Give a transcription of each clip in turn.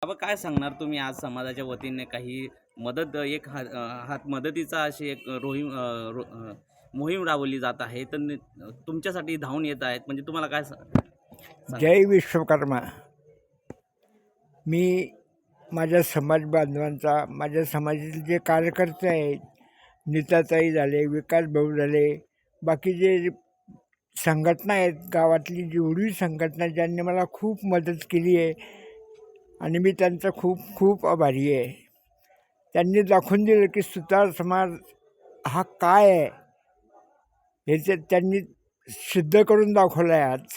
बाबा काय सांगणार तुम्ही आज समाजाच्या वतीने काही मदत एक हात मदतीचा अशी एक मोहीम राबवली जात आहे तर तुमच्यासाठी धावून येत आहेत म्हणजे तुम्हाला काय जय विश्वकर्मा। मी माझ्या समाज बांधवांचा, माझ्या समाजातील जे कार्यकर्ते आहेत, नीताताई झाले, विकास भाऊ झाले, बाकी जे संघटना आहेत, गावातली जेवढी संघटना ज्यांनी मला खूप मदत केली आहे आणि मी त्यांचा खूप खूप आभारी आहे। त्यांनी दाखवून दिलं की सुतार समाज हा काय आहे हे त्यांनी सिद्ध करून दाखवलं आहे आज।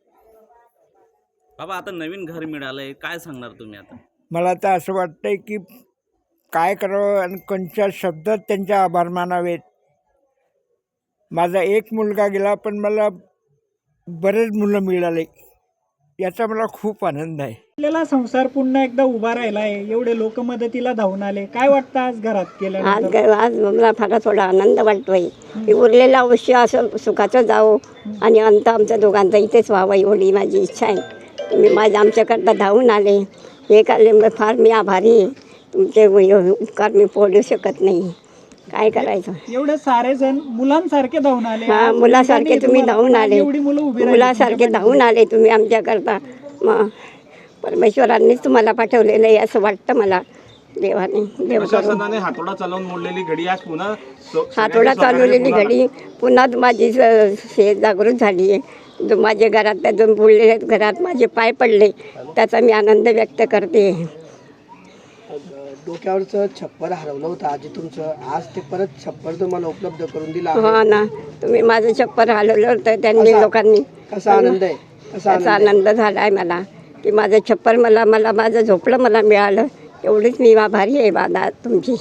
बाबा आता नवीन घर मिळालंय, काय सांगणार तुम्ही आता? मला तर असं वाटतंय की काय करावं आणि कोणत्या शब्दात त्यांचे आभार मानावेत। माझा एक मुलगा गेला पण मला बरेच मुलं मिळाले, याचा मला खूप आनंद आहे। आपल्याला संसार पुन्हा एकदा उभा राहिला आहे, एवढे लोक मदतीला धावून आले, काय वाटतं आज घरात केल्यानंतर? आज मला फार थोडा आनंद वाटतोय की उरलेलं आयुष्य असं सुखाचं जावं आणि अंत आमच्या दोघांचा इथेच व्हावं एवढी माझी इच्छा आहे। तुम्ही माझ्या आमच्याकरता धावून आले, हे काले फार मी आभारी आहे। तुमचे उपकार मी फोडू शकत नाही, काय करायचं। एवढे सारे जण मुलांसारखे धावून आले, हा मुलासारखे तुम्ही धावून आले, एवढी मुलं उभी मुलासारखे धावून आले तुम्ही आमच्याकरता। मग परमेश्वरांनीच तुम्हाला पाठवलेलं आहे असं वाटतं मला। देवाने प्रशासनाने हातोडा चालवून मोडलेली घडी आज पुन्हा हातोडा चालवलेली घडी पुन्हा माझी जागृत झाली आहे। जो माझ्या घरात जो बुडलेल्या घरात माझे पाय पडले त्याचा मी आनंद व्यक्त करते। डोक्यावरचं छप्पर हरवलं होतं आजी तुमचं, आज ते परत छप्पर तुम्हाला उपलब्ध करून दिला। हा ना, तुम्ही माझं छप्पर हलवलं होतं त्यांनी लोकांनी। कसा आनंद आहे, कसा आनंद झाला आहे मला की माझं छप्पर मला माझं झोपडं मला मिळालं, एवढीच मी आभारी आहे बाबा तुमची।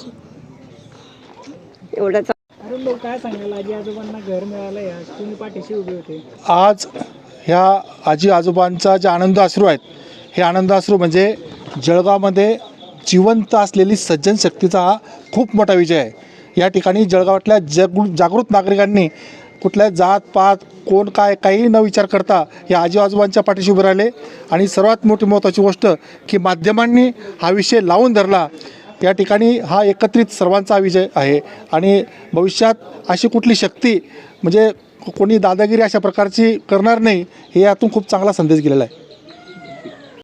एवढंच अरे लोक काय सांगायला, आजी आजोबांना घर मिळालंय, आज तुम्ही पाठीशी उभे होते। आज ह्या आजी आजोबांचा जे आनंद अश्रू आहेत, हे आनंद अश्रू म्हणजे जळगावमध्ये जिवंत असलेली सज्जन शक्तीचा हा खूप मोठा विजय आहे। या ठिकाणी जळगावातल्या जागृत नागरिकांनी कुठल्या जात पात कोण काय काहीही न विचार करता या आजी आजोबांच्या पाठीशी उभे राहिले आणि सर्वात मोठी महत्त्वाची गोष्ट की माध्यमांनी हा विषय लावून धरला। या ठिकाणी हा एकत्रित सर्वांचा विजय आहे आणि भविष्यात अशी कुठली शक्ती म्हणजे कोणी दादागिरी अशा प्रकारची करणार नाही, हे यातून खूप चांगला संदेश गेलेला आहे।